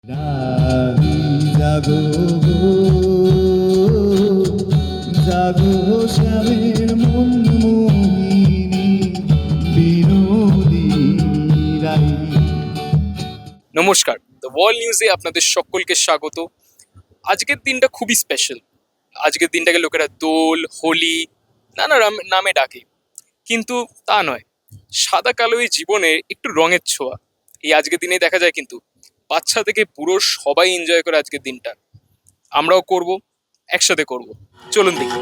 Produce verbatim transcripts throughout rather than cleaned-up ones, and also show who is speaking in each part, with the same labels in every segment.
Speaker 1: রাহি জাগো গো, জাগো শ্যামের মন মোহিনী বিনোদিনী রাহি।
Speaker 2: নমস্কার, দ্য ওয়ার্ল্ড নিউজে আপনাদের সকলকে স্বাগত। আজকের দিনটা খুবই স্পেশাল। আজকের দিনটাকে লোকেরা দোল, হোলি নানা রাম- নামে ডাকে, কিন্তু তা নয়। সাদা কালোই জীবনে একটু রঙের ছোঁয়া এই আজকের দিনে দেখা যায়, কিন্তু বাচ্চা থেকে পুরো সবাই এনজয় করে আজকের দিনটা। আমরাও করব, একসাথে করব। চলুন দেখি।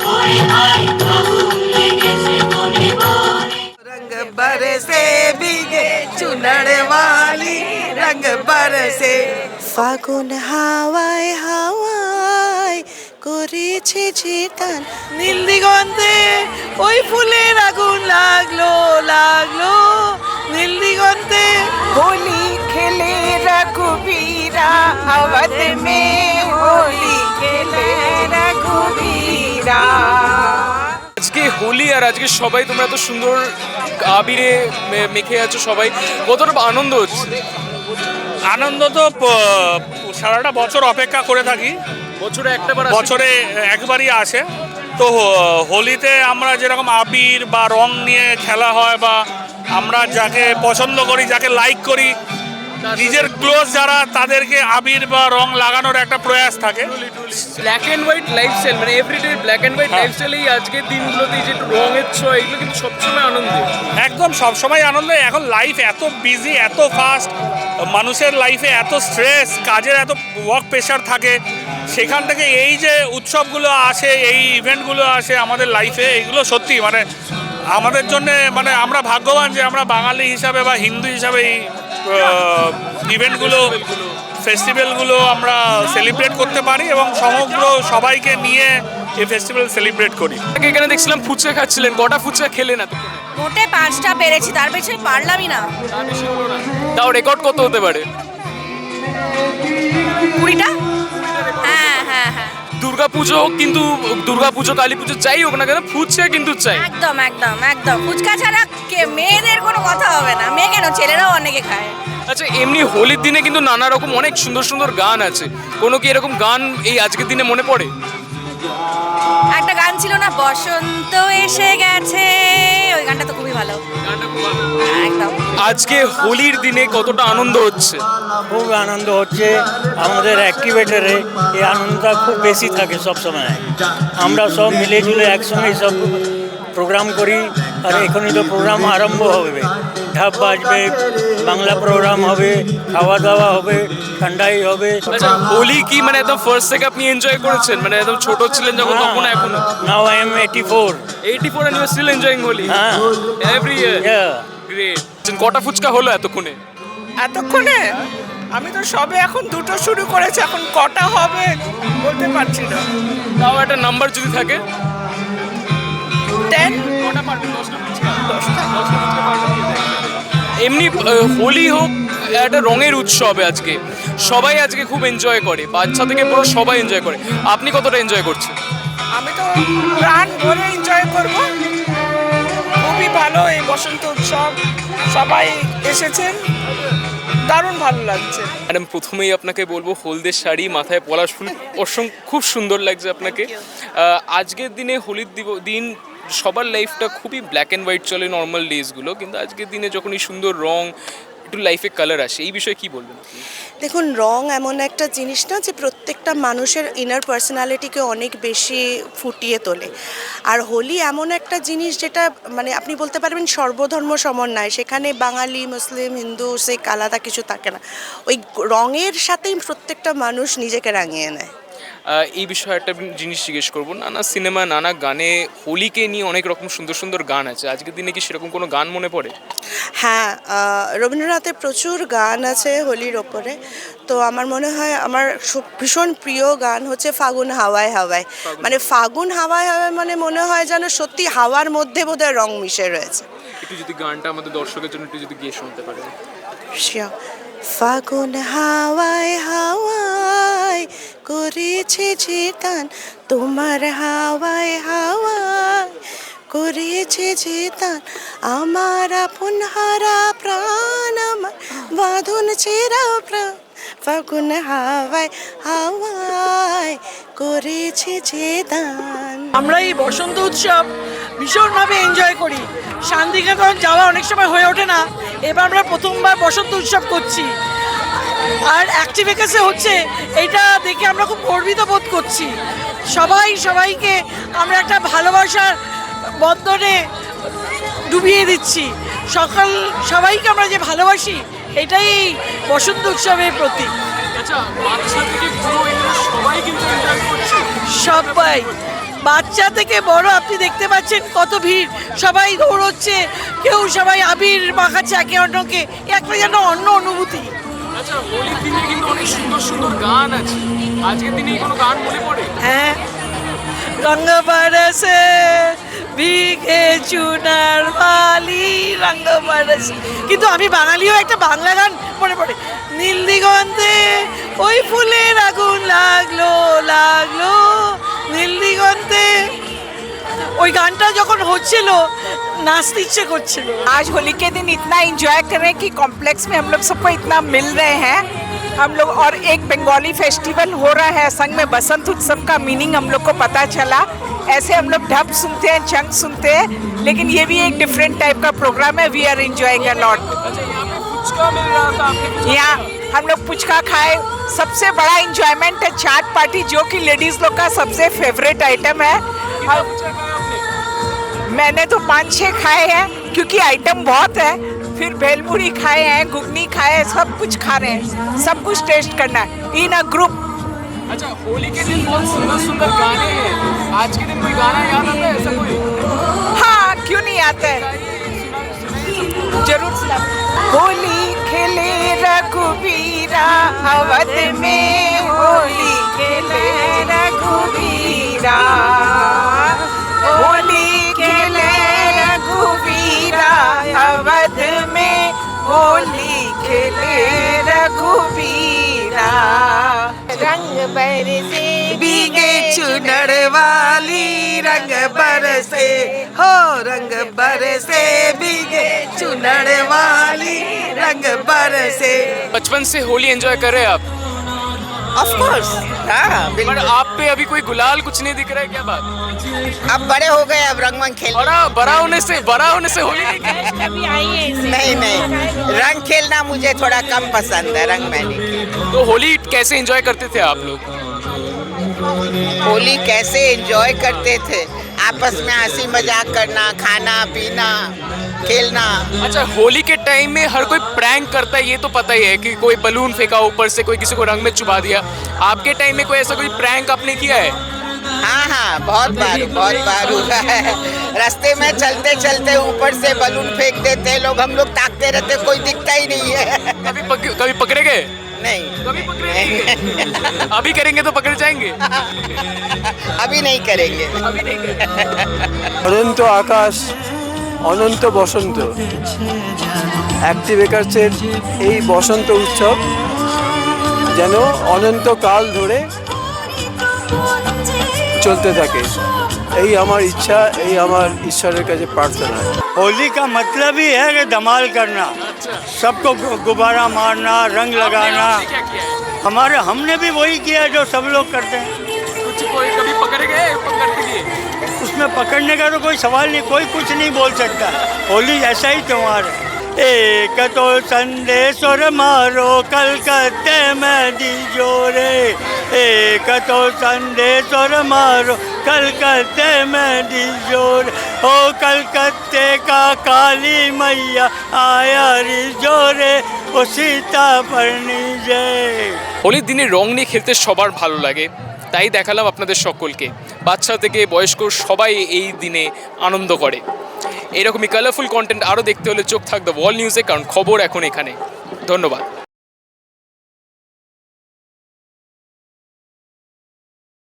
Speaker 3: रंग बरसे भीगे चुनर वाली रंग बरसे ফাগুন হাওয়ায় হাওয়ায় করেছে ঝিটান নীল দিগন্তে ওই ফুলের আগুন লাগলো লাগলো নীল দিগন্তে হোলি খেলে রঘুবীরা अवध में होली खेले रघुबीरा।
Speaker 2: আজকে হোলি, আর আজকে সবাই তোমরা এত সুন্দর আবিরে মে- মেখে আছো, সবাই কতটা আনন্দ হচ্ছে।
Speaker 4: আনন্দ তো প- সারাটা বছর অপেক্ষা করে থাকি,
Speaker 2: বছরে একটা বার আসে।
Speaker 4: বছরে একবারই আসে। তো হো- হোলিতে আমরা যেরকম আবির বা রং নিয়ে খেলা হয়, বা আমরা যাকে পছন্দ করি, যাকে লাইক করি, নিজের ক্লোজ যারা, তাদেরকে আবির বা রং লাগানোর একটা প্রয়াস থাকে।
Speaker 2: ব্ল্যাক অ্যান্ড হোয়াইট লাইফস্টাইল, মানে এভরিডে ব্ল্যাক অ্যান্ড হোয়াইট
Speaker 4: হ্যাঁ।
Speaker 2: লাইফস্টাইল এই আজকের দিনগুলোতে এই যে একটু রঙের ছোঁয়া, এগুলো কিন্তু সবসময় আনন্দের।
Speaker 4: একদম সবসময় আনন্দ। এখন লাইফ এত বিজি, এত ফাস্ট, মানুষের লাইফে এত স্ট্রেস, কাজের এত ওয়ার্ক প্রেশার থাকে, সেখান থেকে এই যে উৎসবগুলো আসে, এই ইভেন্টগুলো আসে আমাদের লাইফে, এগুলো সত্যি মানে আমাদের জন্যে, মানে আমরা ভাগ্যবান যে আমরা বাঙালি হিসাবে বা হিন্দু হিসাবে এই ইভেন্টগুলো, ফেস্টিভ্যালগুলো আমরা সেলিব্রেট করতে পারি এবং সমগ্র সবাইকে নিয়ে এই ফেস্টিভ্যাল সেলিব্রেট করি।
Speaker 2: আগে এখানে দেখছিলাম ফুচকা খাচ্ছিলেন, কটা ফুচকা খেলেন এত?
Speaker 5: মোটে পাঁচটা পেরেছি, তার বেশি পারলামই না।
Speaker 2: তাও রেকর্ড কত হতে পারে?
Speaker 5: কুড়িটা। হ্যাঁ হ্যাঁ হ্যাঁ,
Speaker 2: দুর্গা পুজো হোক, কিন্তু দুর্গা পুজো কালী পুজো যাই হোক না কেন, ফুচকা কিন্তু চাই।
Speaker 5: একদম একদম একদম ফুচকা ছাড়া কে মেয়েদের কোনো কথা হবে না। মেয়ে কেন, ছেলেরাও অনেকে খায়।
Speaker 2: আচ্ছা, এমনি হোলির দিনে কিন্তু নানা রকম অনেক সুন্দর সুন্দর গান আছে, কোনো কি এরকম গান এই আজকের দিনে মনে পড়ে?
Speaker 5: একটা গান ছিল না, বসন্ত এসে গেছে, ওই গানটা তো খুবই ভালো। একদম।
Speaker 2: আজকে হোলির দিনে কতটা আনন্দ হচ্ছে?
Speaker 6: খুব আনন্দ হচ্ছে আমাদের অ্যাক্টিভেটারে। এই আনন্দটা খুব বেশি থাকে সব সময়। আমরা সব মিলেজুলে একসঙ্গে সব প্রোগ্রাম করি। আর এখনই তো প্রোগ্রাম আরম্ভ হবে, ঢাক বাজবে, বাংলা প্রোগ্রাম হবে, খাওয়া দাওয়া হবে, ঠান্ডাই হবে।
Speaker 2: আচ্ছা, হোলি কি মানে একদম ফার্স্ট থেকে আপনি এনজয় করেছেন, মানে একদম ছোট ছিলেন যখন, তখন এখনো?
Speaker 6: Now I am eighty four.
Speaker 2: Eighty four and you are still enjoying Holi?
Speaker 6: হ্যাঁ,
Speaker 2: এভরি ইয়ার? গ্রেট। কটা ফুচকা হলো এতক্ষণে?
Speaker 3: এতক্ষণে আমি তো সবে এখন দুটো শুরু করেছি, এখন কটা হবে বলতে পারছি না।
Speaker 2: তাও একটা নাম্বার যদি থাকে?
Speaker 3: টেন।
Speaker 2: কটা পারবেন? দশটা ফুচকা? দশটা দশটা ফুচকা পারবেন? এমনি আহ, হোলি হোক, একটা রঙের উৎসবে আজকে সবাই আজকে খুব এনজয় করে, বাচ্চা থেকে পুরো সবাই এনজয় করে। আপনি কতটা এনজয় করছেন?
Speaker 3: আমি তো প্রাণ ভরে এনজয় করব। খুবই ভালো এই বসন্ত উৎসব, সবাই এসেছেন, দারুণ ভালো লাগছে।
Speaker 2: ম্যাডাম, প্রথমেই আপনাকে বলবো, হলদের শাড়ি, মাথায় পলাশ ফুল, অসংখ্য খুব সুন্দর লাগছে আপনাকে। আহ, আজকের দিনে হোলির দিব- দিন সবার লাইফটা খুবই ব্ল্যাক অ্যান্ড হোয়াইট চলে নর্মাল ডেজগুলো, কিন্তু আজকের দিনে যখন এই সুন্দর রং, একটু লাইফে কালার আসে, এই বিষয়ে কি বলবেন?
Speaker 7: দেখুন, রং এমন একটা জিনিস না যে প্রত্যেকটা মানুষের ইনার পার্সোনালিটিকে অনেক বেশি ফুটিয়ে তোলে। আর হোলি এমন একটা জিনিস যেটা মানে আপনি বলতে পারবেন সর্বধর্ম সমন্বয়। সেখানে বাঙালি, মুসলিম, হিন্দু, শিখ আলাদা কিছু থাকে না। ওই রঙের সাথেই প্রত্যেকটা মানুষ নিজেকে রাঙিয়ে নেয়।
Speaker 2: আহ, এই বিষয়ে একটা জিনিস জিজ্ঞেস করবো, নানা সিনেমা, নানা গানে হোলিকে নিয়ে অনেক রকম সুন্দর সুন্দর গান আছে, আজকের দিনে কি সেরকম কোনো গান মনে পড়ে?
Speaker 7: হ্যাঁ, আহ, রবীন্দ্রনাথের প্রচুর গান আছে হোলির ওপরে। তো আমার মনে হয় আমার সব- ভীষণ প্রিয় গান হচ্ছে ফাগুন হাওয়ায় হাওয়ায়। মানে ফাগুন হাওয়ায় হাওয়ায় মানে মনে হয় যেন সত্যি হাওয়ার মধ্যে বোধহয় রং মিশে রয়েছে।
Speaker 2: একটু যদি গানটা আমাদের দর্শকের জন্য একটু যদি গিয়ে শুনতে পারেন।
Speaker 7: শিওর। ফাগুন হাওয়ায় হাওয়ায় করেছে যে টান, তোমার হাওয়ায় হাওয়ায় করেছে যে টান, আমার আপন হারা প্রাণ, আমার বাঁধন ছেঁড়া প্রাণ। ফাগুন হাওয়ায় হাওয়ায় করেছে যে দান।
Speaker 3: আমরা এই বসন্ত উৎসব ভীষণভাবে এনজয় করি। শান্তিনিকেতন যাওয়া অনেক সময় হয়ে ওঠে না, এবার আমরা প্রথমবার বসন্ত উৎসব করছি। আর অ্যাক্টিভিকেসে হচ্ছে, এটা দেখে আমরা খুব গর্বিত বোধ করছি। সবাই সবাইকে আমরা একটা ভালোবাসার বন্ধনে ডুবিয়ে দিচ্ছি। সকাল সবাইকে আমরা যে ভালোবাসি, এটাই বসন্ত উৎসবের প্রতীক।
Speaker 2: আচ্ছা, বাচ্চা থেকে বুড়ো এগুলো সবাই কিন্তু এনজয় করছে।
Speaker 3: সবাই, বাচ্চা থেকে বড়, আপনি দেখতে পাচ্ছেন কত ভিড়, সবাই দৌড়চ্ছে, কেউ সবাই আবির মাখাচ্ছে একে অন্যকে, একটা যেন অন্য অনুভূতি।
Speaker 2: আচ্ছা, হোলির দিনে কিন্তু অনেক সুন্দর সুন্দর গান আছে, আজকের দিনে কোনো গান মনে পড়ে?
Speaker 3: হ্যাঁ, রঙ বরসে ভিগে চুনার বালি রঙ বরসে, কিন্তু আমি বাঙালিও একটা বাংলা গান মনে পড়ে, নীল দিগন্তে ওই ফুলের আগুন লাগলো লাগলো নীল দিগন্তে। ওই গানটা যখন হচ্ছিল नाचते इच्छा করছিল।
Speaker 8: आज होली के दिन इतना एंजॉय कर रहे हैं कि कॉम्प्लेक्स में हम लोग सबको इतना मिल रहे हैं हम लोग, और एक बंगाली फेस्टिवल हो रहा है संग में, बसंत उत्सव का मीनिंग हम लोग को पता चला। ऐसे हम लोग ढप सुनते हैं, चंग सुनते हैं, लेकिन ये भी एक डिफरेंट टाइप का प्रोग्राम है। We are enjoying a lot. यहाँ हम लोग पुचका खाए, सबसे बड़ा इंजॉयमेंट है चाट पार्टी, जो कि लेडीज लोग का सबसे फेवरेट आइटम है। मैंने तो पाँच छः खाए हैं क्योंकि आइटम बहुत है। फिर भेलपुरी खाए हैं, घुगनी खाए हैं, सब कुछ खा रहे हैं, सब कुछ टेस्ट करना है इन अ ग्रुप।
Speaker 2: अच्छा, होली के दिन बहुत सुंदर सुंदर गाने हैं, आज के दिन कोई गाना याद आता है ऐसा कोई?
Speaker 8: हाँ, क्यों नहीं आता है, जरूर सुना। होली खेले रघुवीरा अवध में, होली खेले रघुवीरा, होली खेले रघुवीरा अवध में, होली खेले रघुवीरा। रंग बरसे भीगे चुनर वाली, रंग बरसे हो रंग बरसे भीगे चुनर वाली, रंग बरसे।
Speaker 2: बचपन से होली एंजॉय कर रहे हैं आप?
Speaker 8: ऑफ कोर्स, हाँ
Speaker 2: पर
Speaker 8: बिल्कुल।
Speaker 2: आप पे अभी कोई गुलाल कुछ नहीं दिख रहा है, क्या बात?
Speaker 8: अब बड़े हो गए, अब रंग वंग खेल।
Speaker 2: बड़ा बड़ा होने से बड़ा होने से होली नहीं खेली?
Speaker 8: नहीं नहीं, रंग खेलना मुझे थोड़ा कम पसंद है, रंग मैं नहीं खेलती।
Speaker 2: तो होली कैसे एंजॉय करते थे आप लोग?
Speaker 8: होली कैसे एंजॉय करते थे, आपस में हंसी मजाक करना, खाना पीना, खेलना।
Speaker 2: अच्छा, होली के टाइम में हर कोई प्रैंक करता है, ये तो पता ही है कि कोई बलून फेंका ऊपर से, कोई किसी को रंग में चुबा दिया। आपके टाइम में कोई ऐसा कोई प्रैंक आपने किया है?
Speaker 8: हाँ हाँ, बहुत बार बहुत बार हुआ है। रास्ते में चलते चलते ऊपर से बलून फेंक देते लोग, हम लोग ताकते रहते, कोई दिखता ही नहीं है।
Speaker 2: कभी पक, कभी पकड़े गए?
Speaker 8: नहीं,
Speaker 2: कभी पकड़े नहीं गए? अभी करेंगे तो पकड़ जाएंगे?
Speaker 8: अभी नहीं करेंगे।
Speaker 2: अभी नहीं करेंगे।
Speaker 9: অনন্ত আকাশ, অনন্ত বসন্ত, অ্যাক্টিভেকার্সের এই বসন্ত উৎসব যেন অনন্তকাল ধরে চলতে থাকে, এই আমার ইচ্ছা, এই আমার ঈশ্বরের কাছে প্রার্থনা।
Speaker 6: होली का मतलब ही है कि धमाल करना, सबको गु- गुब्बारा मारना, रंग लगाना।
Speaker 2: क्या किया है?
Speaker 6: हमारे हमने भी वही किया जो सब लोग करते हैं।
Speaker 2: कुछ कोई कभी पकड़े गए? पकड़ते दिए?
Speaker 6: उसमें पकड़ने का तो कोई सवाल नहीं, कोई कुछ नहीं बोल सकता। होली ऐसा ही त्योहार है। एक तो संदेशोर मारो कलकत्ते में दीजोरे, एक तो संदेशोर मारो कलकत्ते में दीजोर, ओ कलकत्ते का काली मैया आया रिजोरे, ও সীতা পর্ণি জয়।
Speaker 2: হোলির দিনে রং নিয়ে খেলতে সবার ভালো লাগে, তাই দেখালাম আপনাদের সকলকে। বাচ্চা থেকে বয়স্ক সবাই এই দিনে আনন্দ করে। এরকমই কালারফুল কন্টেন্ট আরও দেখতে হলে চোখ থাকবে ওয়াল নিউজে, কারণ খবর এখন এখানে। ধন্যবাদ।